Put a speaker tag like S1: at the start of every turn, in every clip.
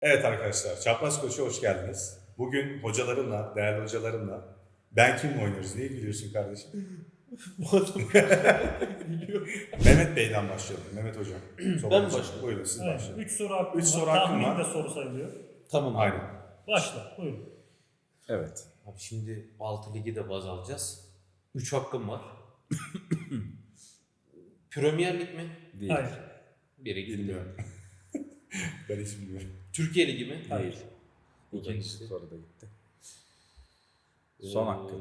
S1: Evet arkadaşlar, Çapraz Koç'a hoş geldiniz. Bugün hocalarımla, değerli hocalarımla Ben Kim'le oynuyoruz. Niye gülüyorsun kardeşim?
S2: Bu adam biliyor.
S1: Mehmet Bey'den başlayalım. Mehmet Hocam.
S2: Ben mi başlayayım?
S1: Buyurun siz
S3: Evet,
S1: başlayın.
S3: 3 soru hakkım
S1: Üç
S3: var.
S1: soru hakkım
S3: Tahmin
S1: var.
S3: de soru sayılıyor.
S2: Tamam abi.
S1: Aynen.
S3: Başla, buyurun.
S4: Evet.
S2: Abi şimdi 6 ligi de baz alacağız. 3 hakkım var. Premier Lig mi?
S4: Değil.
S3: Hayır.
S2: Biri gitti.
S1: Bilmiyorum. Ben hiç bilmiyorum.
S2: Türkiye Ligi mi?
S3: Hayır.
S4: Değil.
S2: Bu da
S4: İkinci
S2: gitti.
S4: soru da gitti. Son hakkım.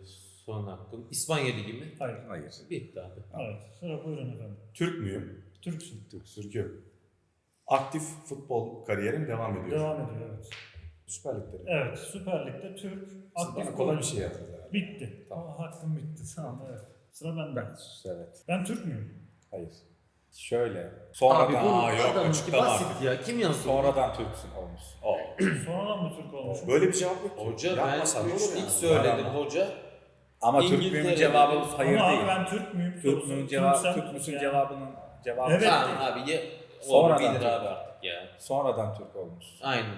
S2: Son hakkım. İspanya Ligi mi?
S3: Hayır.
S4: Hayır.
S2: Bitti abi.
S3: Evet, sıra buyurun efendim.
S1: Türk müyüm?
S3: Türksün.
S1: Türk'üm. Aktif futbol kariyerim devam ediyor.
S3: Devam ediyor, evet.
S1: Süper Lig'de.
S3: Evet, Süper Lig'de Türk aktif
S1: Bana kolay bir
S3: oyuncu.
S1: şey yaptınız herhalde.
S3: Bitti.
S1: Tamam.
S3: Tamam. Hakkım bitti. Tamam, evet. Sıra bende.
S4: Evet.
S3: Ben Türk müyüm?
S4: Hayır. Şöyle.
S2: Abi
S4: Sonradan,
S2: bu
S1: Aa, yok,
S2: adamınki
S1: açıklama
S2: basit
S1: artık.
S2: ya. Kim yazdı?
S4: sonradan Türksün olmuş.
S3: Sonradan mı Türk olmuş?
S1: Böyle bir cevap yok ki.
S2: Hoca
S1: Yapmasan
S2: ben
S1: olur
S2: 3
S1: yani.
S2: lig söyledim
S4: Ama-
S2: hoca.
S4: Ama Türk
S2: İngiltere'de-
S4: müyüm cevabı hayır
S3: Ama
S4: değil.
S3: abi ben Türk müyüm?
S4: Türk
S3: sorusu.
S4: müyüm cevabı,
S3: Türksem
S4: Türk müsün
S3: yani.
S4: cevabının cevabı.
S3: Evet.
S2: Tamam abi ye.
S4: Sonradan
S2: Sonradan bilir
S4: Türk.
S2: abi artık ya.
S4: Sonradan Türk olmuş.
S2: Aynen.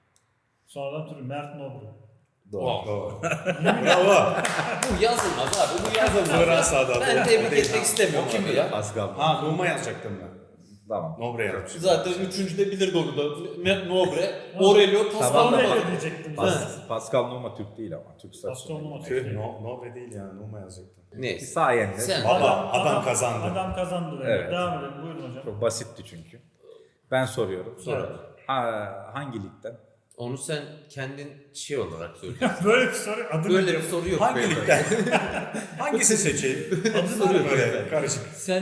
S3: Sonradan Türk. Mert Nobru.
S4: Doğru.
S1: Bravo. Bravo.
S2: Bu yazılmaz abi. Bu yazılmaz.
S1: Fransa'da.
S2: Ben tebrik etmek istemiyorum kimi ya.
S4: Pascal.
S1: Ha, Numa yazacaktım ben.
S4: Tamam.
S1: Nobre yazmışım.
S2: Zaten üçüncüde bilirdi onu da. Nobre, Aurelio, Pascal
S4: Tamam.
S3: Sonra
S2: Numa.
S3: öyle diyecektim.
S4: Pascal Numa Türk değil ama. Türk
S3: Pascal
S4: statüsünde.
S3: Numa
S4: değil.
S3: Türk.
S1: Nobre değil ya, Numa yazacaktım.
S2: Neyse.
S4: Sayende.
S2: Sen-
S1: Adam kazandı.
S3: Adam kazandı.
S4: Evet.
S3: Devam edelim, buyurun hocam.
S4: Çok basitti çünkü. Ben soruyorum.
S2: Sor.
S4: Hangi ligden?
S2: Onu sen kendin şey olarak söylüyorsun.
S3: Böyle bir soru adı
S2: Böyle bir
S3: nedir?
S2: soru yok.
S1: Hangi
S2: böyle.
S1: ligden? Hangisi seçeyim?
S3: Adı nedir?
S1: Böyle karışık.
S2: Sen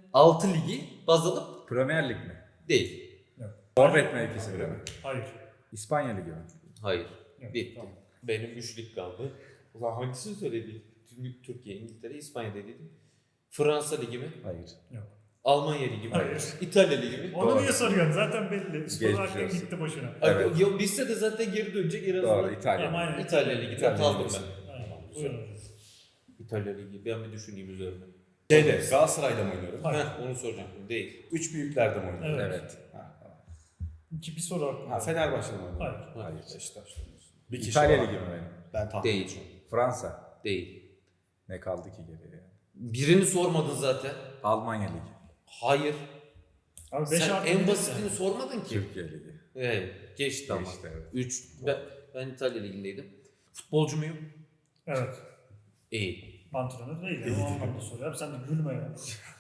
S2: 6 ligi baz alıp
S4: Premier Lig mi?
S2: değil.
S4: Forvet mevkisinde mi?
S3: Hayır.
S4: İspanya Ligi mi?
S2: Hayır.
S3: Yok,
S2: Bitti.
S3: tamam.
S2: Benim 3 lig kaldı. O zaman hangisini söyledi? Türkiye, İngiltere, İspanya dedim. Fransa Ligi mi?
S4: Hayır.
S3: Yok.
S2: Almanya Ligi mi?
S3: Hayır.
S2: İtalya Ligi mi?
S3: Onu
S4: Doğru.
S3: niye soruyorsun? Zaten belli. Spor
S4: Geçmiş
S3: hakkı
S4: olsun.
S3: gitti boşuna.
S4: Evet.
S2: Ya bilse de zaten geri dönecek en azından.
S4: Doğru. İtalya.
S3: Tamam, aynen.
S2: İtalya Ligi'de
S4: İtalya
S2: kaldım
S4: Ligi.
S2: ben.
S3: Aynen. Buyurun hocam.
S2: İtalya Ligi. Ben bir düşüneyim üzerine.
S1: Galatasaray'da mı oynuyorum?
S3: Hayır.
S2: Heh, onu soracaktım. Değil.
S1: Üç büyüklerde mi oynuyorum?
S3: Evet.
S4: Evet.
S1: Ha, tamam.
S3: Bir soru hakkım
S1: Ha,
S3: var.
S1: Fenerbahçe'de mi oynuyorum?
S3: Hayır.
S4: Hayır.
S1: Beşiktaş'ta oynuyorsun. Bir kişi
S4: İtalya
S1: var.
S4: Ligi mi benim?
S1: Ben tahmin
S2: Değil.
S1: edeceğim.
S4: Fransa.
S2: Değil.
S4: Ne kaldı ki geriye?
S2: Birini sormadın zaten.
S4: Almanya Ligi.
S2: Hayır.
S3: Abi 5
S2: Sen
S3: hakkım
S2: en
S3: yok
S2: basitini
S3: yani.
S2: sormadın ki.
S4: Türkiye Ligi.
S2: Evet. Geçti ama.
S4: Geçti, evet.
S2: 3. Ben İtalya Ligi'ndeydim. Futbolcu muyum?
S3: Evet.
S2: İyi.
S3: Antrenör değil. Yani. O anlamda soruyor. Abi sen de gülme ya.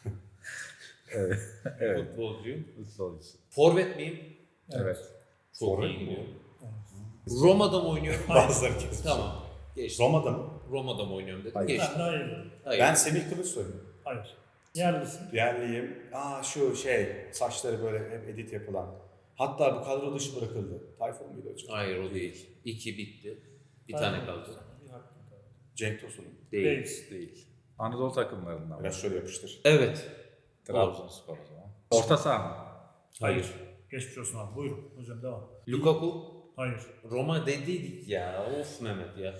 S4: Evet. Evet.
S2: Futbolcuyum.
S4: Futbolcusu.
S2: Forvet miyim?
S4: Evet.
S2: Çok
S1: Forvet
S2: iyi
S1: mi
S2: gidiyor.
S3: Evet.
S2: Roma'da mı oynuyorum?
S1: Bazıları kesmiş.
S2: Tamam. Geçti.
S1: Roma'da mı?
S2: Roma'da mı oynuyorum dedim.
S4: Hayır.
S2: Geçti.
S3: Ben daha iyi bilirim.
S2: Hayır.
S1: Ben Semih Kılıçsoy'um.
S3: Hayır. Yerlisin.
S1: Yerliyim. Şu saçları böyle hep edit yapılan. Hatta bu kadro dışı bırakıldı. Tayfun muydu hocam?
S2: Hayır o değil. 2 bitti. Bir
S3: Hayır.
S2: tane kaldı.
S3: Bir hakkım kaldı.
S1: Cenk Tosun'um.
S2: Değil.
S3: Değil.
S4: Değil. Anadolu takımlarından
S1: Biraz
S4: var.
S1: şöyle yapıştır.
S2: Evet.
S4: Trabzonspor o zaman. Orta saha mı?
S3: Hayır. Geçmiş olsun abi. Buyurun. Hocam devam.
S2: Lukaku.
S3: Hayır.
S2: Roma dediydik ya. Of Mehmet ya.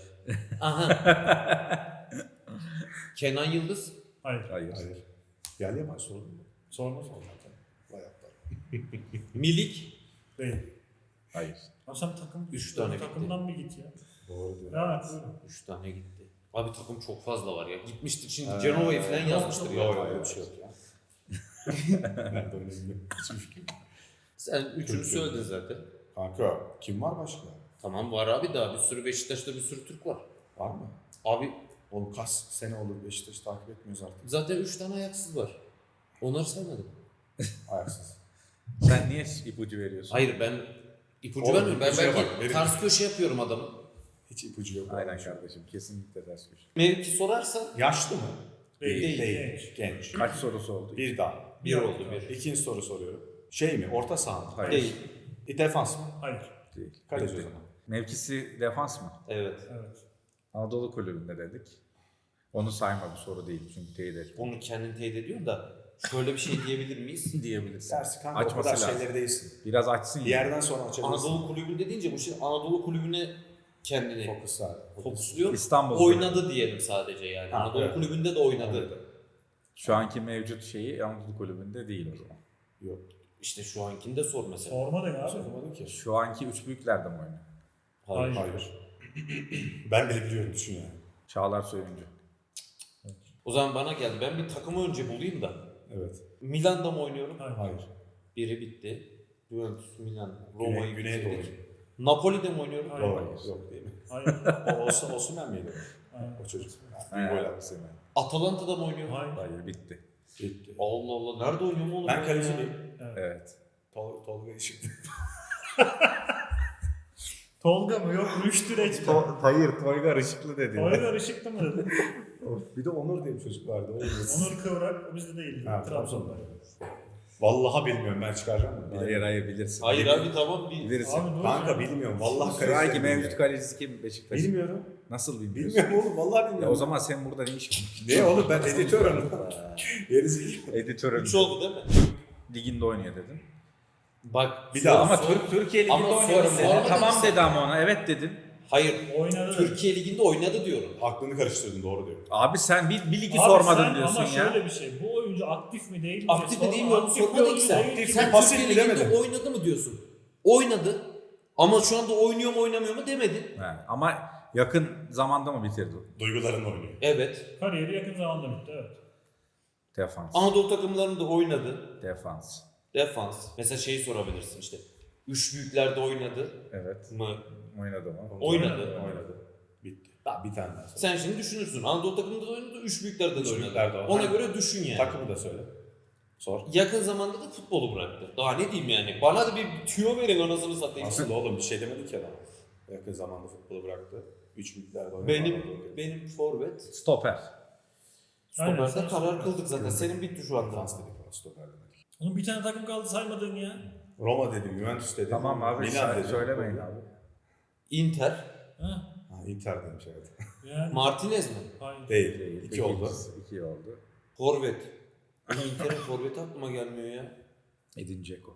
S2: Aha. Kenan Yıldız.
S3: Hayır.
S4: Hayır.
S1: Hayır. Yerli yabancı sorun mu?
S3: Sorma sor.
S1: Vay aptal.
S2: Milik.
S3: Değil.
S4: Hayır.
S3: Abi sen takım,
S2: Üç tane
S3: takımdan bir git ya.
S1: Doğru diyor.
S3: Devam et. Buyurun.
S2: 3 tane gitti. Abi takım çok fazla var ya. Gitmiştir şimdi Cenova'yı falan yazmıştır ya.
S1: Yok öyle bir şey yok ya. Nerede oynayayım? Hiçbir fikrim yok.
S2: Sen üçünü söyledin zaten.
S1: Kanka kim var başka?
S2: Tamam var abi daha bir sürü Beşiktaş'ta bir sürü Türk var.
S1: Var mı?
S2: Abi
S1: Oğlum kaç sene olur Beşiktaş'ı takip etmiyoruz artık.
S2: zaten 3 tane ayaksız var. Onları saymadım.
S1: Ayaksız.
S4: Sen niye ipucu veriyorsun?
S2: Hayır ben ipucu
S1: Oğlum,
S2: vermiyorum. Ben
S1: ipucuya
S2: belki
S1: bak, benim-
S2: ters köşe yapıyorum adamı.
S1: Hiç ipucu yok.
S4: Aynen kardeşim. Kesinlikle ters köşe.
S2: Mevki sorarsan
S1: Yaşlı mı?
S3: Değil.
S1: Değil. Genç.
S4: Kaç sorusu oldu?
S1: Bir daha.
S2: bir oldu bir.
S1: İkinci soru soruyorum. Şey mi? Orta saha mı?
S4: Hayır.
S2: Değil.
S1: Defans mı?
S3: Hayır.
S4: Değil.
S1: Kaleci o
S4: Bitti.
S1: zaman.
S4: Mevkisi defans mı?
S2: Evet.
S3: Evet.
S4: Anadolu kulübünde dedik. Onu sayma bir soru değil çünkü teyit et.
S2: Onu kendin teyit ediyorsun da şöyle bir şey diyebilir miyiz?
S4: Diyebilirsin.
S1: Dersi kanka o
S4: Açması
S1: kadar
S4: lazım.
S1: şeyleri değilsin.
S4: Biraz açsın
S1: Bir
S4: ya.
S1: yerden sonra açabilirsin.
S2: Anadolu kulübünde deyince bu şey Anadolu kulübüne kendini
S1: Fokus abi.
S2: fokusluyor.
S4: İstanbul
S2: Oynadı diyelim sadece yani.
S1: Ha,
S2: Anadolu
S1: evet.
S2: kulübünde de oynadı.
S1: Oynadı.
S4: Şu anki mevcut şeyi Anadolu kulübünde değil o zaman.
S1: Yok.
S2: İşte şu ankini de sor mesela.
S3: Sorma da ya abi.
S1: Sormadım ki.
S4: Şu anki 3 büyüklerde mi oynuyor?
S2: Hayır.
S1: Hayır. Ben bile biliyorum, düşün yani.
S4: Çağlar Söyüncü.
S2: O zaman bana geldi. Ben bir takımı önce bulayım da.
S1: Evet.
S2: Milan'da mı oynuyorum?
S3: Hayır.
S1: Hayır.
S2: Biri bitti. Juventus, Milan,
S1: Güney,
S2: Roma'yı
S1: Güneydoğu.
S2: bitirdik. Napoli'de mi oynuyorum?
S3: Hayır.
S1: Doğru. Yok değil mi?
S3: Hayır.
S1: Osman mıydı?
S3: Hayır.
S1: O çocuk.
S4: He.
S1: Bir gol attı seni.
S2: Atalanta'da mı oynuyorum?
S3: Hayır.
S4: Hayır bitti.
S1: Gitti.
S2: Allah Allah. Nerede oynuyorum oğlum?
S1: Ben kaleci miyim?
S3: Evet.
S4: Evet.
S1: Tolga Işık.
S3: Tolga mı? Yok Rüştü Reçber.
S4: Hayır, Toygar Işıklı dedi.
S3: Toygar Işıklı mı dedin?
S1: Bir de Onur diye bir çocuk vardı.
S3: Onur Kıvrak o bizde değil.
S1: Ha,
S3: Trabzon'da.
S1: Vallahi bilmiyorum, ben çıkaracağım mı?
S4: Hayır bilirsin.
S2: Hayır abi tamam bir.
S4: Bilirsin.
S3: Abi dur.
S1: Kanka bilmiyorum. Vallahi
S4: Şu anki
S1: kaleci
S4: mevcut kalecisi kim Beşiktaş?
S1: Bilmiyorum.
S4: Nasıl bilmiyorsun?
S1: Bilmiyorum oğlum. Vallahi
S4: Ya
S1: bilmiyorum.
S4: o zaman sen burada ne iş
S1: Ne oğlum, ben editörüm. Gerizekalı.
S4: Editörüm.
S2: 3 oldu değil mi?
S4: Liginde oynuyor dedin.
S2: Bak.
S1: Bir daha
S4: Ama
S2: sor-
S4: Türkiye Ligi'nde
S2: Ama
S4: oynuyorum
S2: sor-
S4: dedin.
S2: sormadın
S4: Tamam
S2: sen.
S4: dedi ama ona evet dedin.
S2: Hayır.
S3: Oynadı.
S2: Türkiye Ligi'nde oynadı diyorum.
S1: Aklını karıştırdın, doğru diyor.
S4: Abi sen bir ligi
S3: Abi
S4: sormadın
S3: sen
S4: diyorsun
S3: ama
S4: ya.
S3: şöyle bir şey. Bu oyuncu aktif mi değil mi?
S2: Aktif mi değil mi onu
S3: Aktif bir
S2: sormadın ki
S3: oyuncu
S2: sen.
S3: değil ki.
S2: Sen
S1: pasif
S2: Türkiye Ligi'nde
S1: bilemedin.
S2: oynadı mı diyorsun? Oynadı. Ama şu anda oynuyor mu oynamıyor mu demedin.
S4: He, ama yakın zamanda mı bitirdi?
S1: Duyguların oynuyor.
S2: Evet.
S3: Kariyeri yakın zamanda bitti evet.
S4: Defans.
S2: Anadolu takımlarında oynadı.
S4: Defans.
S2: Defans. Mesela şeyi sorabilirsin işte. Üç büyüklerde oynadı
S4: Evet.
S2: mı?
S4: Oynadı mı?
S2: Oynadı.
S1: Oynadı. Bitti. Bir tane daha söyle.
S2: Sen şimdi düşünürsün. Anadolu takımında da oynadı, üç büyüklerde de
S1: Üç
S2: oynadı.
S1: büyüklerde oynadı.
S2: Ona göre düşün yani.
S1: Takımı da söyle. Sor.
S2: Yakın zamanda da futbolu bıraktı. Daha ne diyeyim yani? Bana da bir tüyo verin anasını satayım.
S1: Aslında oğlum bir şey demedi ki adam. Yakın zamanda futbolu bıraktı. 3 büyüklerde oynadı.
S2: Benim forvet.
S4: Stoper.
S3: Aynen,
S2: Stoper'de
S3: sen
S2: karar
S3: stoper.
S2: kıldık zaten. Senin bitti şu anda.
S1: Defans dedik ona, stoper demedik.
S3: Oğlum bir tane takım kaldı saymadın ya.
S1: Roma dedim, Juventus dedim.
S4: Tamam abi
S1: Milan dedim.
S4: söylemeyin abi.
S2: Inter.
S3: Ha?
S1: Ha, Inter demiş evet.
S3: Yani.
S2: Martinez mi?
S3: Hayır.
S1: Değil.
S4: Değil.
S1: 2 oldu.
S4: 2 oldu.
S2: Forvet. Ama Inter'in forveti aklıma gelmiyor ya.
S4: Edin Dzeko.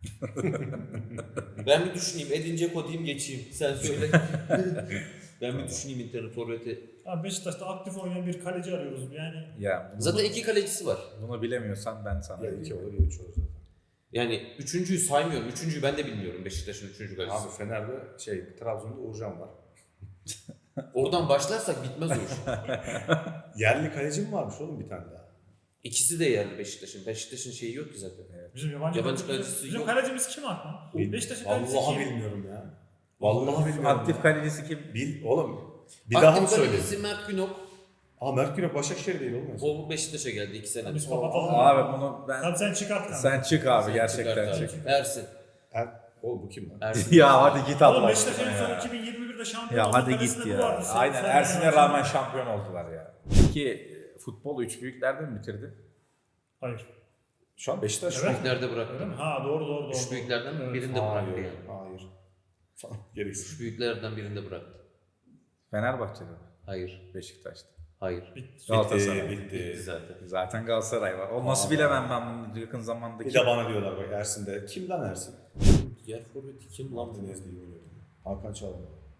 S2: Ben bir düşüneyim. Edin Dzeko diyeyim geçeyim. Sen söyle. Ben bir düşüneyim Inter'in forveti.
S3: Abi Beşiktaş'ta aktif oynayan bir kaleci arıyoruz yani.
S4: Ya
S2: Zaten iki kalecisi var.
S4: bunu bilemiyorsan ben sana
S1: Ya 2
S4: diyeyim.
S1: olur ya 3 olur zaten.
S2: Yani üçüncüyü saymıyorum. Üçüncüyü ben de bilmiyorum Beşiktaş'ın üçüncü kalecisi.
S1: Abi Fener'de Trabzon'da Uğurcan var.
S2: Oradan başlarsak bitmez o iş.
S1: Yerli kaleci mi varmış oğlum bir tane daha?
S2: İkisi de yerli Beşiktaş'ın. Beşiktaş'ın şeyi yok ki zaten.
S3: Bizim yabancı
S2: Yabancı
S3: kalecimiz-
S2: kalecisi
S3: Bizim
S2: yok.
S3: kalecimiz kim Akman? Beşiktaş'ın kalecisi
S1: Vallahi
S3: kim?
S1: bilmiyorum ya. Vallahi bilmiyorum.
S4: Aktif
S1: ya.
S4: kalecisi kim?
S1: Oğlum bir daha mı
S2: Aktif
S1: söyleyeyim?
S2: kalecisi Mert Günok.
S1: Aa, Mert Günok Başakşehir değil oğlum.
S2: O Beşiktaş'a geldi 2 sene.
S3: Biz kapatalım.
S4: Abi bunu ben...
S3: Hadi sen çıkart kanka.
S4: Sen çık abi
S2: Sen
S4: gerçekten
S2: çıkart
S4: çık.
S2: abi. Ersin.
S1: Oğlum bu kim lan?
S2: Ersin.
S4: Ya hadi git
S3: Oğlum
S4: Allah
S3: Beşiktaş en
S4: aşkına
S3: son
S4: ya.
S3: 2021'de şampiyon
S4: Ya
S3: oldu.
S4: hadi
S3: Kalesinde
S4: git
S3: bu vardı.
S4: ya.
S3: Sen-
S4: Aynen
S3: sen-
S4: Ersin'e
S3: sen-
S4: rağmen şampiyon oldular ya. Peki futbol 3 büyüklerde mi bitirdi?
S3: Hayır.
S1: Şu an Beşiktaş
S3: Evet.
S2: Büyüklerde
S3: Öyle
S2: bıraktı.
S3: mi? Ha doğru.
S2: Üç büyüklerden
S3: Evet.
S2: birinde bıraktı
S1: Hayır.
S2: yani.
S1: Hayır. Gereksiz.
S2: Üç büyüklerden birinde bıraktı.
S4: Fenerbahçe'de mi?
S2: Hayır.
S4: Beşiktaş'ta.
S2: Hayır.
S3: Bitti.
S4: Galatasaray.
S2: Bitti zaten.
S4: Zaten Galatasaray var. O nasıl
S1: Aa.
S4: bilemem ben bunu yakın zamandaki.
S1: Bir de bana diyorlar bak Ersin'de. Kim lan Ersin?
S2: Diğer forveti kim lan?
S1: Martinez diye biliyordum. Hakan Çalhanoğlu.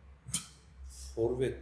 S2: Forvet.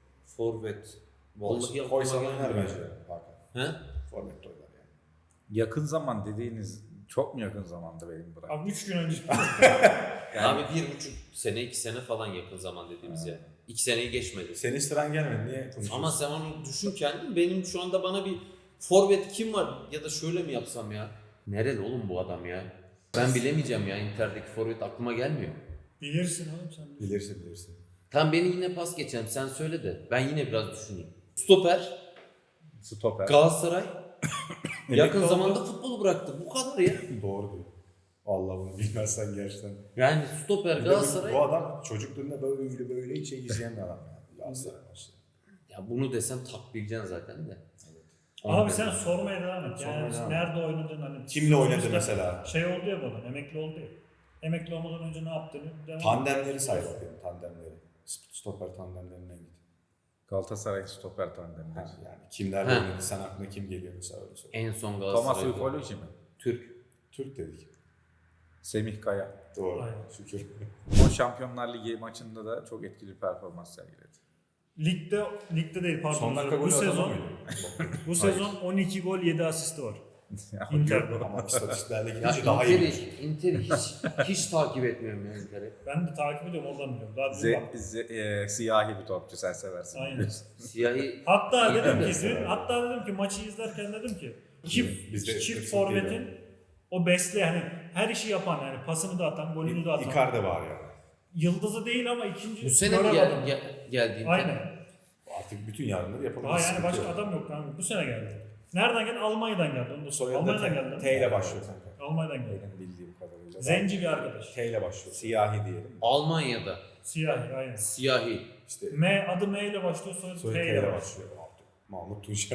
S2: Vallahi aklıma
S1: Koysan
S2: gelmiyor.
S1: oynar bence Hakan.
S2: He?
S1: Forvet de oynar yani.
S4: Yakın zaman dediğiniz çok mu yakın zamanda benim bırak?
S3: Abi 3 gün önce.
S4: Yani-
S2: Abi 1,5 sene 2 sene falan yakın zaman dediğimiz yani. 2 seneyi geçmedi.
S1: Senin sıran gelmedi. Niye konuşuyorsun?
S2: Ama sen onu düşün kendin. Benim şu anda bana bir forvet kim var? Ya da şöyle mi yapsam ya? Nereli oğlum bu adam ya? Ben bilemeyeceğim ya Inter'deki forvet aklıma gelmiyor.
S3: Bilirsin oğlum sen.
S1: Bilirsin.
S2: Tam beni yine pas geçelim sen söyle de ben yine biraz düşüneyim. Stoper,
S4: Stoper.
S2: Galatasaray yakın
S3: oldu.
S2: zamanda futbolu bıraktı. Bu kadar ya.
S1: Doğru diyor. Allah bunu bilmezsen gerçekten.
S2: Yani stoper
S1: Bir de
S2: Galatasaray.
S1: bu adam çocukluğunda böyle hiç izleyen bir adam yani. Galatasaray maçı.
S2: Ya bunu desem tak bileceksin zaten de.
S3: Abi sen sormaya devam et.
S1: Sormaya
S3: Yani
S1: devam et.
S3: nerede oynadın hani.
S1: Kimle oynadı
S3: Sonuçta
S1: mesela?
S3: Şey oldu ya bu adam. Emekli oldu ya. Emekli olmadan önce ne yaptığını devam
S1: Tandemleri say bakayım, tandemleri. Stoper tandemlerinden git.
S4: Galatasaray stoper tandemi.
S1: Yani kimlerle
S2: Ha.
S1: oynadı, sen aklına kim geliyor mesela öyle söyle.
S2: En son
S4: Thomas
S2: Galatasaray.
S4: Ufoloji mi?
S2: Türk.
S1: Türk dedik.
S4: Semih Kaya.
S1: Doğru.
S3: Aynen.
S1: Şükür.
S4: O Şampiyonlar Ligi maçında da çok etkili performans sergiledi.
S3: Ligde değil pardon.
S1: Son dakika
S3: bu
S1: golü atan o
S3: sezon
S1: muydu?
S3: bu sezon 12 gol 7 asisti var. Inter'de.
S1: Ama istatistiklerle
S2: Ya
S1: gidince daha iyi.
S2: Inter'i hiç takip etmiyorum ya Inter'i.
S3: Ben de takip ediyorum oradan biliyorum. Daha dün baktım.
S4: Siyahi bir topçu sen seversin.
S3: Aynen.
S4: biliyorsun.
S2: Siyahi
S3: Hatta
S2: İyi
S3: dedim
S2: de
S3: ki hatta dedim ki maçı izlerken dedim ki
S1: Biz de
S3: çift
S1: hepsini
S3: forvetin o hani her işi yapan yani pasını da atan, golünü de atan.
S1: Icardi var ya.
S3: Yıldızı değil ama ikinci
S2: bu sene mi
S3: göremedim.
S2: geldi Inter?
S3: Aynen.
S1: Artık bütün yardımları yapabilir.
S3: Daha yani başka adam yok kanka. Bu sene geldi. Nereden geldi? Almanya'dan geldi. Onu da
S1: Soyadı
S3: Almanya'dan
S1: da
S3: geldi.
S1: T ile başlıyor kanka.
S3: Almanya'dan geldi.
S4: Benim bildiğim kadarıyla.
S3: Zenci bir arkadaş.
S1: T ile başlıyor.
S4: Siyahi diyelim.
S2: Almanya'da
S3: Siyahi aynen.
S2: siyahi.
S1: İşte
S3: Adı M ile başlıyor, soyadı
S1: soyadı
S3: T
S1: T
S3: ile
S1: ile
S3: başlıyor.
S1: başlıyor. Mahmut Tunçer.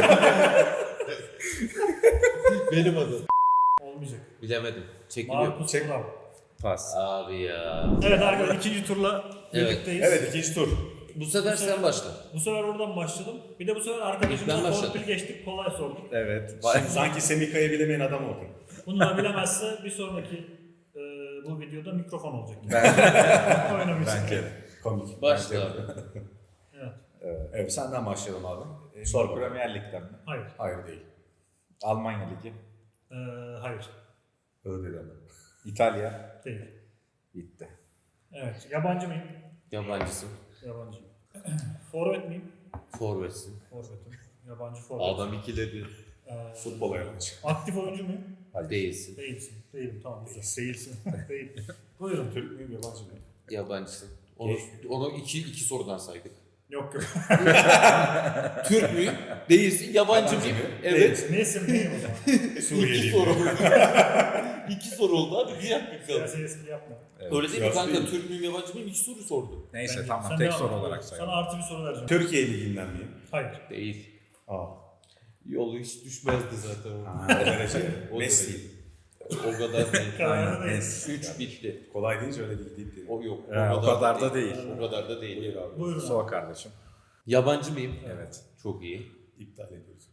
S2: Benim adım.
S3: Olmayacak.
S2: Bilemedim. Çekiliyor.
S3: Marcus
S1: Çek.
S3: Thuram.
S4: Pas.
S2: Abi ya.
S3: Evet arkadaşlar ikinci turla
S2: Evet.
S3: birlikteyiz.
S1: Evet, ikinci tur.
S2: Bu sefer sen başla.
S3: Bu sefer oradan başladım. Bir de bu sefer
S2: Ben
S3: arkadaşımıza
S2: başladım.
S3: torpil geçtik, kolay sorduk.
S4: Evet.
S1: Şimdi sanki Semika'yı bilemeyen adam oldun.
S3: Bunu da bilemezse bir sonraki bu videoda mikrofon olacak. Oynamayacak.
S4: Bence.
S1: Komik.
S2: Başla
S1: Bence.
S2: abi.
S3: Evet.
S1: Evet, senden başlayalım abi.
S4: Sor
S1: Sor.
S4: Premier Lig'den mi?
S3: Hayır.
S1: Hayır değil.
S4: Almanya Ligi.
S3: Hayır.
S1: Öyle dedi ama.
S4: İtalya.
S3: Değil.
S4: Bitti.
S3: Evet. Yabancı mıyım?
S2: Yabancısın.
S3: Yabancıyım. Forvet miyim?
S2: Forvetsin.
S3: Forvetim. Yabancı forvet.
S2: Adam ikiledi.
S1: Futbola yabancı.
S3: Aktif oyuncu muyum?
S2: Değilsin.
S3: Değilsin. Değilim. Tamam. Değilsin. Değil. Buyurun.
S1: Türk müyüm, yabancı mıyım?
S2: Yabancısın. Onu iki sorudan saydık.
S3: Yok yok.
S2: Türk müyüm? Değilsin. Yabancı mıyım? Evet.
S3: Nesin miyim o zaman?
S2: İki
S1: Suriyeliyim.
S2: soru. İki soru oldu abi. Bir dakika kaldı.
S3: Siyasi espri yapma.
S2: Öyle değil mi
S1: Siyasi
S2: kanka?
S1: değil.
S2: Türk müyüm yabancı mıyım? İki soru sordu.
S4: Neyse
S3: Bence-
S4: tamam
S3: sen
S4: tek
S3: devam
S4: soru
S3: et.
S4: olarak
S3: Sana
S4: sayalım.
S3: artı bir soru vereceğim.
S1: Türkiye Ligi'nden miyim?
S3: Hayır.
S2: Değil.
S1: Aa.
S2: Yolu hiç düşmezdi zaten.
S1: O derece.
S2: O
S1: Messi.
S2: O kadar değil.
S3: Kararı değil.
S2: 3 bitti.
S1: Kolay deyince öyle değil dedi.
S2: O yok.
S4: O kadar da değil.
S2: O kadar da değil.
S1: Buyur abi.
S3: Buyurun.
S4: Sor kardeşim.
S2: Yabancı mıyım?
S4: Evet.
S2: Çok iyi.
S1: İptal ediyoruz.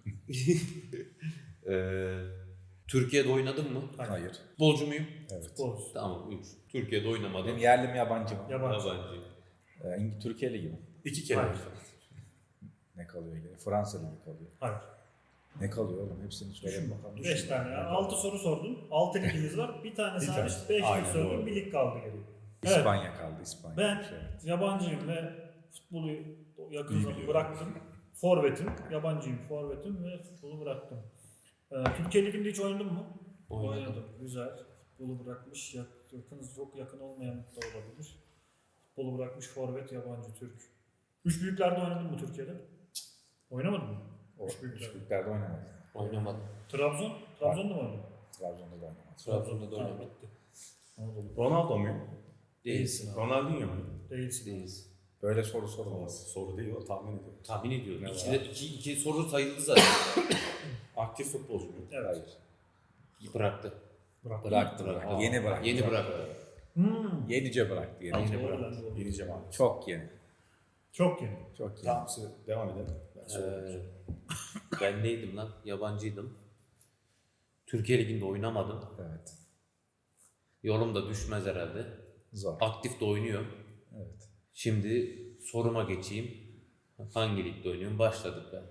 S2: Türkiye'de oynadın mı?
S4: Hayır.
S2: Futbolcu muyum?
S4: Evet.
S3: Futbolcu.
S2: Tamam 3. Türkiye'de oynamadım.
S4: Benim yerli mi yabancı mı?
S3: Yabancı.
S2: Yabancıyım.
S4: Türkiye Ligi mi?
S1: 2 kere.
S3: Hayır.
S4: Ne kalıyor yine? Fransa Ligi kalıyor.
S3: Hayır.
S4: Ne kalıyor oğlum? Hepsini söyleyin bakalım.
S3: 5 tane ya. 6 soru sordun. 6 ligimiz var. Bir tane
S1: Bir
S3: hariç
S1: tane.
S3: 5 lig
S1: Aynen,
S3: sordun.
S1: doğru.
S3: Bir lig kaldı geriye. Evet.
S4: İspanya kaldı. İspanya.
S3: Ben
S4: Şey.
S3: yabancıyım ve futbolu yakın
S1: İyi
S3: zamanda
S1: biliyorum.
S3: bıraktım. Forvetim. Yabancıyım. Forvetim ve futbolu bıraktım. Türkiye Ligi'nde hiç oynadın mı?
S2: Oynadım.
S3: Güzel. Futbolu bırakmış. Çok yakın olmayan da olabilir. Futbolu bırakmış forvet, yabancı, Türk. Üç büyüklerde oynadın mı Türkiye'de? Oynamadın mı?
S4: O
S3: Üç büyüklerde.
S4: üçlüklerde oynamadı.
S2: Oynamadım.
S3: Trabzon? Trabzon'da mı oynadın?
S4: Trabzon'da da oynamadı.
S2: Trabzon'da da
S3: Tamam,
S2: oynamadım.
S3: bitti. Anadolu.
S1: Ronaldo muyum?
S2: Değilsin abi.
S1: Ronaldinho muyum?
S3: Değilsin.
S2: Değilsin.
S4: Böyle soru sorulmaz.
S1: Soru değil o, tahmin ediyorum.
S2: Tahmin ediyorum.
S1: Ne
S2: İki soru sayıldı zaten.
S1: Aktif futbolcu muyum?
S3: Evet.
S4: Hayır.
S2: Bıraktı.
S4: Bıraktı.
S2: Aa,
S4: Yeni bıraktı.
S2: Yeni bıraktı.
S4: Yenice bıraktı. Yenice.
S3: Doğru,
S4: bıraktı.
S3: ben de doğru.
S1: Yeneceğim abi.
S4: Çok yeni.
S3: Çok yeni.
S4: Çok yeni.
S1: Tamam, size devam edelim. Ben sorayım.
S2: Ben neydim lan? Yabancıydım. Türkiye Ligi'nde oynamadım.
S4: Evet.
S2: Yorum da düşmez herhalde.
S4: Zor.
S2: Aktif de oynuyor.
S4: Evet.
S2: Şimdi soruma geçeyim. Hangi ligde oynuyorum? Başladık ben.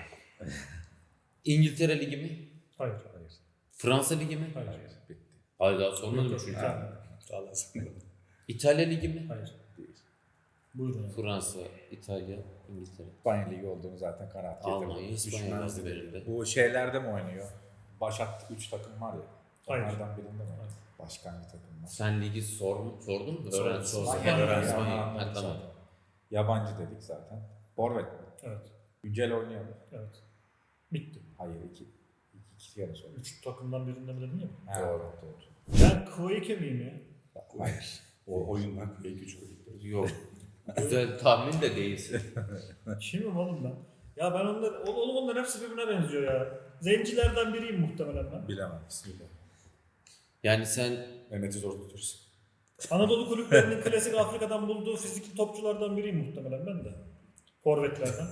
S2: İngiltere Ligi mi?
S3: Hayır.
S4: Hayır.
S2: Fransa Ligi mi?
S3: Hayır.
S4: Hayır. Bitti.
S2: Hayır daha sormadım
S3: Yok, yok,
S2: çünkü.
S3: İtalya.
S1: Sağ olasın.
S2: İtalya Ligi mi?
S3: Hayır.
S4: Değil.
S3: Buyurun. abi.
S2: Fransa, İtalya, İngiltere.
S4: İspanya Ligi olduğunu zaten kanaat getirdim.
S2: Almanya, İspanya
S1: Düşmez
S2: vardı
S1: dedi.
S2: benim de.
S4: Bu şeylerde mi oynuyor? Başat 3 takım var ya.
S3: Hayır.
S4: Onlardan birinde mi?
S3: Hayır.
S4: Başkan bir takım var.
S2: Sen ligi sordun mu?
S1: Sordum,
S2: Öğren.
S1: sordum.
S2: İspanya,
S3: Öğren.
S2: İspanya.
S4: Öğren.
S2: Ha, tamam.
S4: Yabancı dedik zaten. Forvet mi?
S3: Evet.
S4: Güncel oynuyor mu?
S3: Evet. Bitti.
S4: Hayır. İki kere sordum.
S3: 3 takımdan birinde mi dedin ya?
S4: Ha, doğru. Doğru.
S3: Ben Kuveyke miyim ya?
S4: Hayır.
S1: O oyundan en küçük oyunları.
S2: Yok. Güzel tahmin de değilsin.
S3: Kimim oğlum ben? Ya ben oğlum onların hepsi birbirine benziyor ya. Zencilerden biriyim muhtemelen ben.
S4: Bilemem.
S1: Bismillah.
S2: Yani sen
S1: Mehmet'i zor tutursun.
S3: Anadolu kulüplerinin klasik Afrika'dan bulduğu fizikli topçulardan biriyim muhtemelen ben de. Forvetlerden.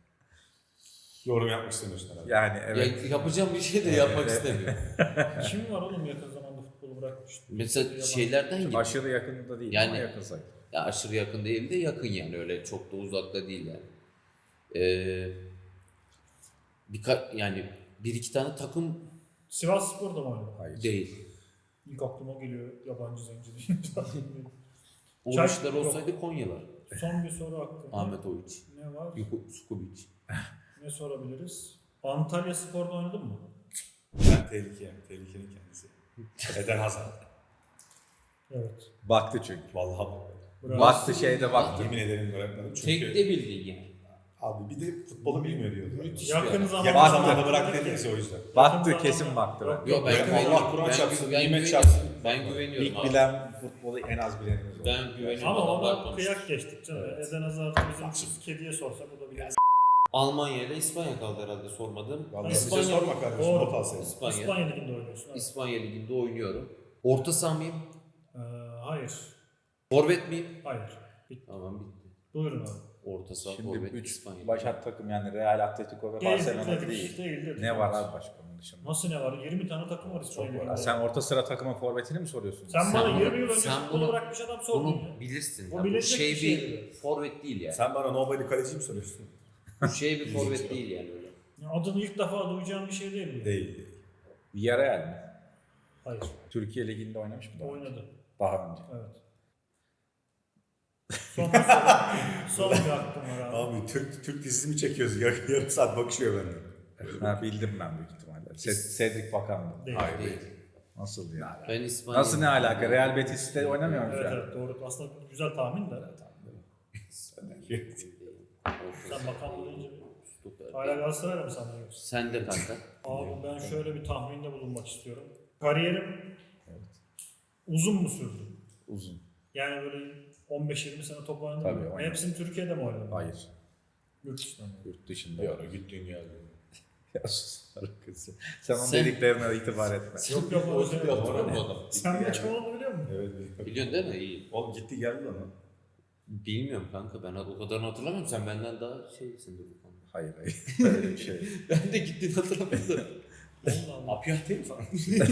S1: Yorum yapmak istemiyorsun herhalde.
S4: Yani evet.
S2: yapacağım bir şey de yapmak istemiyorum.
S3: Kim var oğlum yakın zamanda futbolu bırakmış?
S2: Mesela şeylerden gibi.
S4: Aşırı yakında değil
S2: Yani-
S4: ama yakın sayılır.
S2: Ya aşırı yakın değil de yakın yani öyle çok da uzakta değil yani. Yani bir iki tane takım
S3: Sivasspor'da mı oynadı?
S4: Hayır.
S2: Değil.
S3: İlk aklıma geliyor yabancı zenci deyince.
S2: O
S3: Çay-
S2: işler olsaydı Konyalar.
S3: Son bir soru hakkında.
S2: Ahmet Oviç.
S3: Ne var?
S2: Skubic.
S3: Ne sorabiliriz? Antalya Spor'da oynadın mı?
S1: Ben tehlikeyim. Tehlikenin kendisi. Eden Hazard.
S3: Evet.
S4: Baktı çünkü.
S1: Vallahi bak.
S3: Bravo.
S4: Baktı şeyde baktı.
S1: Yemin ederim öğretmenim. Çünkü
S2: Tek de bildi yani.
S1: abi bir de futbolu bilmiyor diyordu.
S2: Müthiş.
S3: Yakın zamanda
S1: Yakın zamanda bırak dediyse o yüzden.
S4: Baktı kesin baktı.
S3: Yok,
S2: Yok ben
S1: Ben
S2: güveniyorum.
S1: Allah Kur'an
S2: Ben
S1: çarpsın,
S2: güveniyorum.
S1: nimet çarpsın.
S2: Ben güveniyorum
S4: İlk
S2: abi.
S4: bilen futbolu en az bilenimiz oldu.
S2: Ben güveniyorum.
S3: Ama
S2: Adamlar
S3: ona
S2: konuştu.
S3: kıyak geçtik canım.
S1: Evet.
S3: Eden Hazard'ı bizim kız kediye sorsak o da bilir.
S2: Almanya ile İspanya kaldı herhalde sormadım.
S1: Vallahi
S3: İspanya-
S1: bize sorma kardeşim.
S3: Doğru.
S1: Not alsaydın.
S2: İspanya.
S3: İspanya Ligi'nde oynuyorsun. Evet.
S2: İspanya Ligi'nde oynuyorum. Orta saha mıyım?
S3: Hayır.
S2: Forvet miyim?
S3: Hayır. Bitti.
S2: Tamam bitti.
S3: Buyurun abi.
S2: Orta saha,
S4: Şimdi
S2: forvet,
S4: 3
S2: İspanya.
S4: başat takım yani Real, Atletico ve Barcelona
S3: Dedik,
S4: değil.
S3: dedik.
S4: Ne var abi başka onun dışında?
S3: Nasıl ne var? 20 tane takım var İspanya
S1: Çok var.
S3: Ligi'nde.
S4: Sen orta sıra takımın forvetini mi soruyorsun?
S3: Sen bana
S2: Sen
S3: 20 yıl önce
S2: sen
S3: futbolu
S2: bunu-
S3: bırakmış adam sordun ya.
S2: Bunu bilirsin.
S3: Bu
S2: ya. Bu
S3: bilinecek
S2: şey
S3: bir şey
S2: bir
S3: değil.
S2: forvet değil yani.
S1: Sen bana nobody kaleci mi soruyorsun?
S2: Bu şey bir forvet değil yani öyle.
S3: Ya adını ilk defa duyacağım bir şey değil mi?
S1: Değil.
S4: Villarreal mi?
S3: Hayır.
S4: Türkiye Ligi'nde oynamış mı? daha önce?
S3: Oynadı.
S4: Daha önce.
S3: Evet. Son bir soru. Son bir hakkım var abi.
S1: Abi Türk dizisi mi çekiyoruz? Yarım saat bakışıyor benden.
S4: Ha, bildim ben büyük ihtimalle. Cedric Bakan'dı.
S3: Değil.
S1: Hayır
S2: Değil.
S1: değil.
S4: Nasıl ya?
S2: Ben İspanya.
S4: Nasıl ne alaka? Real Betis'te oynamıyor mu
S3: Evet
S4: şu an?
S3: evet doğru. Aslında güzel tahmin de. Sen bakan deyince hala Galatasaray'la mı sanıyorsun?
S2: Sen de kanka.
S3: Abi ben şöyle bir tahminde bulunmak istiyorum. Kariyerim uzun mu sürdü?
S4: Uzun.
S3: Yani böyle 15-20 sene top oynadım
S4: Tabii,
S3: mı?
S4: oynadım.
S3: Hepsini Türkiye'de mi oynadın?
S4: Hayır.
S3: Yurt dışında mı?
S4: Yurt dışında.
S1: Bir ara gittin geldin.
S4: Ya sus kızı. Sen onun
S2: Sen-
S4: dediklerine itibar etme.
S3: Yok yok o şey yok.
S2: Hatırlıyor musun adam?
S3: Sen bir kim olduğunu biliyor musun?
S1: Evet. biliyorum.
S2: Biliyorsun değil mi? İyi.
S1: Oğlum gitti geldi lan.
S2: Bilmiyorum kanka ben o kadarını hatırlamıyorum. Sen benden daha şeysindir bu konuda.
S4: Hayır hayır. Öyle bir şey.
S2: Ben de gittiğini hatırlamıyorum.
S3: Allah Allah.
S1: Apiyah değil mi falan?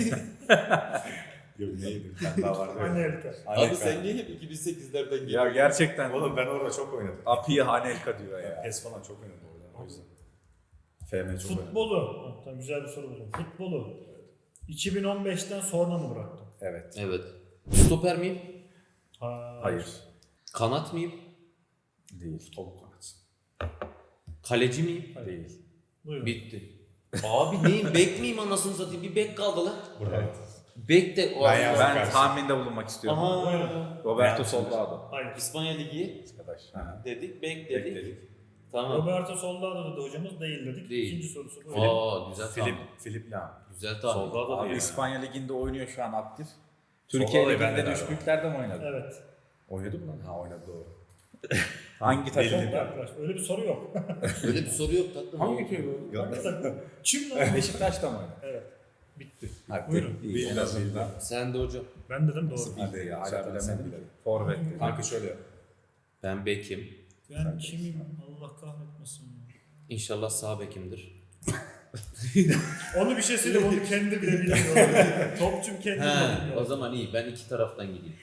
S1: Yok neydi? Ben daha vardı.
S3: Anne Elka.
S2: Abi sen niye hep 2008'lerden
S4: Ya
S2: geliyorsun?
S4: gerçekten
S1: Oğlum ben orada çok oynadım.
S4: Api Hanelka diyor ya.
S1: PES falan çok oynadım orada. O yüzden. FM çok oynadım.
S3: Futbolu. Ha, tamam, güzel bir soru buldum. Futbolu. 2015'ten sonra mı bıraktın?
S4: Evet.
S2: Evet. Stoper miyim?
S4: Hayır.
S2: Kanat mıyım?
S4: Değil.
S1: Topuk kanatsın.
S2: Kaleci miyim?
S3: Hayır.
S4: Değil.
S3: Buyurun.
S2: Bitti. Abi neyim? Bek miyim anasını satayım? Bir bek kaldı lan.
S1: Evet.
S2: Bek de o
S1: Ben yazdım.
S4: Ben
S1: karşı.
S4: tahminde bulunmak istiyorum.
S2: Aha.
S4: Roberto
S1: Ben-
S4: Soldado.
S3: Hayır.
S2: İspanya Ligi
S4: Arkadaş. Ha.
S2: dedik, bek dedik.
S1: Bekledik.
S2: Tamam.
S3: Roberto Soldado dedi hocamız değil dedik.
S2: Değil.
S3: İkinci sorusu bu.
S2: Aa güzel tahmin.
S1: Philip Lam.
S2: Güzel tahmin.
S1: Soldado
S4: Abi
S1: değil.
S4: İspanya Ligi'nde oynuyor şu an aktif. Türkiye
S1: Soldado ben de
S4: Ligi'nde
S1: galiba.
S4: düş büyüklerde mi oynadı?
S3: Evet.
S1: Oynadı mı lan? Ha oynadı doğru.
S4: Hangi takım?
S1: Belli.
S3: Çok arkadaş. Öyle bir soru yok.
S2: Öyle bir soru yok tatlım.
S1: Hangi köy bu?
S3: Hangi takım? Kim lan?
S4: Beşiktaş'ta mı oynadı?
S3: Evet. Bitti.
S4: Hadi.
S3: Buyurun.
S4: İyi, en azından.
S2: Sen de hocam.
S3: Ben dedim doğru.
S4: Hadi ya hala
S1: Zaten sen
S4: bilemedim.
S1: bilemedin.
S4: Forvet dedi.
S1: Kanka şöyle yap.
S2: Ben bekim.
S3: Ben kimim? Allah kahretmesin. ya.
S2: İnşallah sağ bekimdir.
S3: Onu bir şey söyleyeyim. Onu kendi bile bilmiyor. Topçum kendi
S2: He,
S3: bilmiyor.
S2: o zaman iyi. Ben iki taraftan gideyim.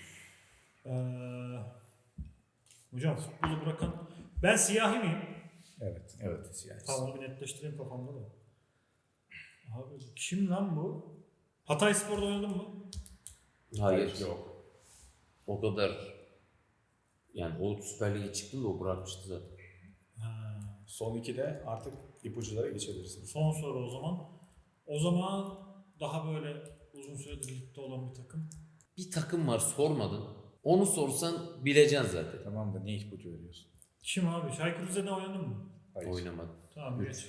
S3: Hocam futbolu bırakan... Ben siyahi miyim?
S4: Evet.
S1: Evet. Yani.
S3: Tamam onu bir netleştireyim kafamda da. Abi kim lan bu? Hatay Spor'da oynadın mı?
S2: Hayır.
S1: Yok.
S2: O kadar. Yani o Süper Lig'e çıktı da o bırakmıştı zaten.
S3: Ha.
S1: Son 2'de artık ipuçlara geçebilirsiniz.
S3: Son soru o zaman. O zaman daha böyle uzun süredir ligde olan bir takım.
S2: Bir takım var sormadın. Onu sorsan bileceksin zaten.
S4: Tamam da niye ipucu veriyorsun?
S3: Kim abi? Çaykur Rize'de oynadın mı?
S4: Hayır.
S2: Oynamadım.
S3: Tamam geç.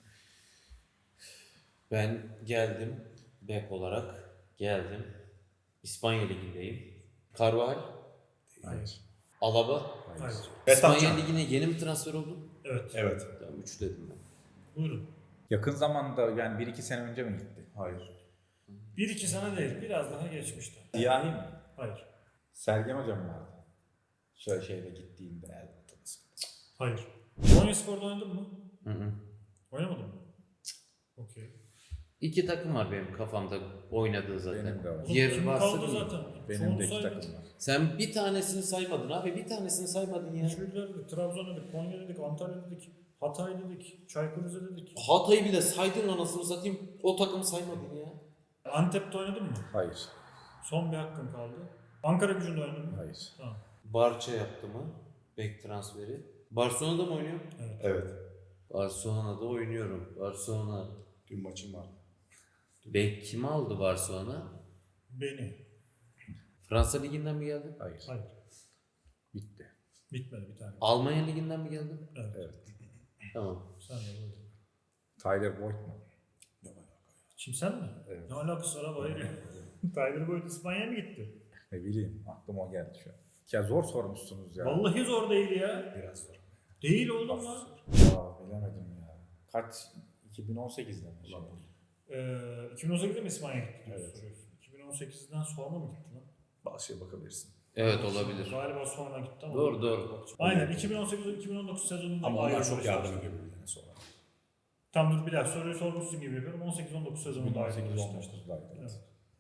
S2: Ben geldim. Bek olarak geldim. İspanya Ligi'ndeyim. Carvajal,
S4: Hayır.
S2: Alaba.
S3: Hayır.
S2: İspanya
S1: Betapcan.
S2: Ligi'ne yeni mi transfer oldu?
S3: Evet.
S1: Evet.
S2: Tamam 3 dedim ben.
S3: Buyurun.
S4: Yakın zamanda yani 1-2 sene önce mi gitti?
S1: Hayır.
S3: 1-2 sene değil. Biraz daha geçmişti.
S4: Siyahi mi?
S3: Hayır.
S4: Sergen hocam vardı. Şöyle şeyle gittiğinde.
S3: Hayır. Konya Spor'da oynadın mı?
S2: Hı hı.
S3: Oynamadın mı? Okey.
S2: İki takım var benim kafamda oynadığı zaten.
S4: Benim de var.
S3: Oğlum
S2: Diğer
S3: kim
S2: varsa
S3: kaldı
S2: değil.
S3: zaten?
S4: Benim
S3: Çoğunu
S4: de 2
S3: saydın.
S4: takım var.
S2: Sen bir tanesini saymadın abi. Bir tanesini saymadın ya.
S3: Üçlükler dedik, Trabzon dedik, Konya dedik, Antalya dedik, Hatay dedik, Çaykur Rize dedik.
S2: Hatay'ı bile saydın anasını satayım. O takımı saymadın ya.
S3: Antep'te oynadın mı?
S4: Hayır.
S3: Son bir hakkın kaldı. Ankara Gücü'nde oynadın mı?
S4: Hayır.
S3: Tamam.
S2: Barça yaptı mı? Bek transferi. Barcelona'da mı oynuyor?
S1: Evet.
S2: Barcelona'da oynuyorum. Barcelona.
S1: Dün maçım vardı.
S2: Bek kimi aldı Barcelona?
S3: Beni.
S2: Fransa Ligi'nden mi geldi?
S4: Hayır.
S3: Hayır.
S4: Bitti.
S3: Bitmedi bir tane.
S2: Almanya Ligi'nden mi geldi?
S4: Evet.
S2: Tamam.
S3: Sen de buyur.
S4: Tyler Boyd mu?
S3: Kim sen mi?
S4: Evet.
S3: Ne alakası var abi? Tyler Boyd İspanya'ya mı gitti?
S4: Ne bileyim. Aklıma o geldi şu an. Ya zor sormuşsunuz ya.
S3: Vallahi zor değil ya.
S1: Biraz zor.
S3: Değil oğlum lan.
S4: Ya bilemedim ya. Kaç? 2018'de mi?
S1: Ulan.
S3: 2018'de mi İspanya'ya gitti?
S4: Evet.
S3: Soruyorsun. 2018'den sonra mı gitti lan?
S1: Bazı şeye bakabilirsin.
S2: Evet olabilir.
S3: Galiba sonra gitti ama.
S2: Doğru, doğru.
S3: Aynen 2018-2019 sezonunda
S1: Ama onlar
S3: ayrılmış
S1: çok yardım
S3: Beşiktaş'ta.
S1: ediyor birbirine sonra.
S3: Tam dur bir daha soruyu sormuşsun gibi yapıyorum. 18-19 sezonunda ayrılmış Beşiktaş'ta.
S4: 2018-19'daydı.
S3: Evet.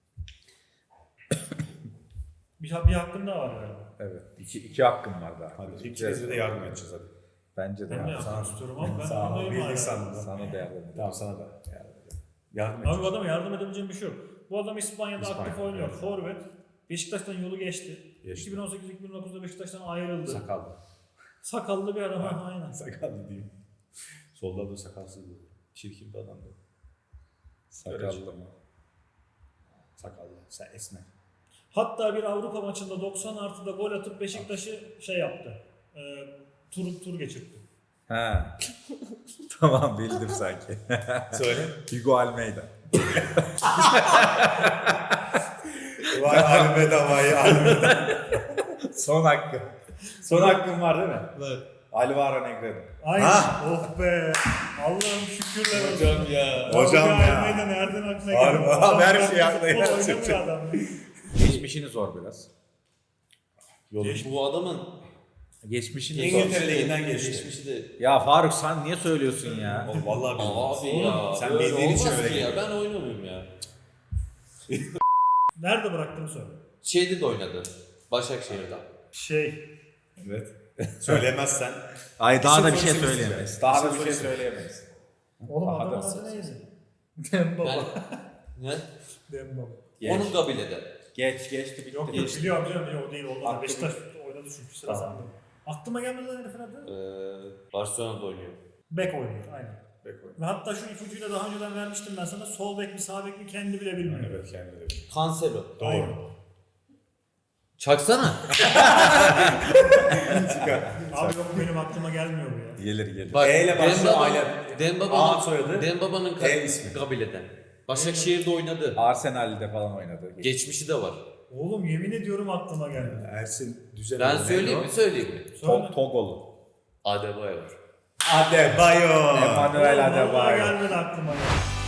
S3: Bir hakkın daha var galiba.
S4: Evet. İki hakkım var daha.
S1: Hadi ikimize de yardım edeceğiz hadi.
S4: Bence de
S3: Ben de
S4: yardım.
S3: yapmak istiyorum ama ben
S1: Sağ ol.
S3: anlayayım hala.
S1: Bildik sandım.
S4: Sana da yardım edeyim.
S1: Tamam sana da yardım edeceğim. Yardım
S3: Abi bu
S1: edeceğiz.
S3: adama yardım edebileceğim bir şey yok. Bu adam İspanya'da
S4: İspanya,
S3: aktif oynuyor.
S4: evet.
S3: Forvet. Beşiktaş'tan yolu geçti.
S1: Geçti.
S3: 2018-2019'da Beşiktaş'tan ayrıldı.
S1: Sakallı.
S3: Sakallı bir adam. Ha, aynen.
S1: Sakallı diyeyim. Solda da sakalsızdı. Çirkin bir adamdı.
S4: Sakallı mı?
S1: Sakallı. Sen esme.
S3: Hatta bir Avrupa maçında 90 artıda gol atıp Beşiktaş'ı şey yaptı. Tur geçirdi.
S4: Ha. Tamam bildim sanki.
S1: Söyle.
S4: Hugo Almeida.
S1: Vay Almeda vay Almeda.
S4: Son hakkım. Son hakkım var değil mi?
S2: Var.
S4: Alvaro Negredo.
S3: Aynen.
S1: Ha.
S3: Oh be. Allah'ım şükürler olsun.
S2: Hocam ya.
S1: Hocam ya.
S3: Almeyda nereden aklına
S1: Harbi,
S3: geldi?
S1: abi, her
S3: Adam
S1: şey aklına
S3: futbol
S1: geldi.
S3: oynamıyor adam.
S4: Geçmişini sor biraz.
S2: Bu adamın
S4: Geçmişini sor.
S1: İngiltere Ligi'nden geçti.
S2: geçmişi de.
S4: Ya Faruk sen niye söylüyorsun ya?
S1: Oğlum vallahi bilmiyorum.
S2: Abi ya.
S1: Sen
S2: öyle
S1: bildiğin için
S2: olmaz
S1: öyle
S2: ki ya.
S1: geliyor.
S2: Ben oynamıyorum ya.
S3: Nerede bıraktığını söyle.
S2: Şeyde de oynadı. Başakşehir'de.
S3: Şey.
S1: Evet. Söylemezsen.
S4: Ay daha da bir
S1: İsim
S4: şey
S1: soyisim
S4: söyleyemeyiz.
S1: isim.
S4: Daha da
S1: İsim
S4: bir şey
S1: soyisim.
S4: söyleyemeyiz.
S3: Oğlum
S4: Daha
S3: adamın
S4: da-
S3: adı neydi? Dembaba.
S2: Yani, ne?
S3: Dembaba.
S2: Onun kabilede.
S4: Geçti bitti.
S3: Yok yok biliyorum biliyorum o değil olmadı.
S4: Aklıma-
S3: Beşiktaş oynadı çünkü sıra
S4: Tamam.
S3: sende. Aklıma gelmedi lan herifin adı.
S2: Barcelona'da oynuyor.
S3: Bek oynuyor aynen.
S1: Bek oyunu.
S3: Ve hatta şu ipucuyu da daha önceden vermiştim ben sana. Sol bek mi sağ bek mi kendi bile bilmiyor.
S1: Evet kendine de.
S2: Cancelo.
S1: Doğru.
S2: Çaksana.
S3: Abi yok benim aklıma gelmiyor bu ya.
S4: Gelir.
S2: Bak,
S1: E ile başlıyor, A ile.
S2: Dembaba'nın
S1: A soyadı,
S2: Dembaba'nın
S1: E ismi.
S2: kabileden. Başakşehir'de oynadı.
S4: Arsenal'de falan oynadı.
S2: Geçmişi de var.
S3: Oğlum yemin ediyorum aklıma gelmedi.
S1: Ersin Düzen.
S2: Ben söyleyeyim mi? Söyleyeyim mi?
S3: Söyle.
S4: Togolu.
S2: Adebayor.
S1: Adebayo.
S4: Emmanuel
S3: Oğlum, vallahi
S4: Adebayo.
S3: gelmedi aklıma ya.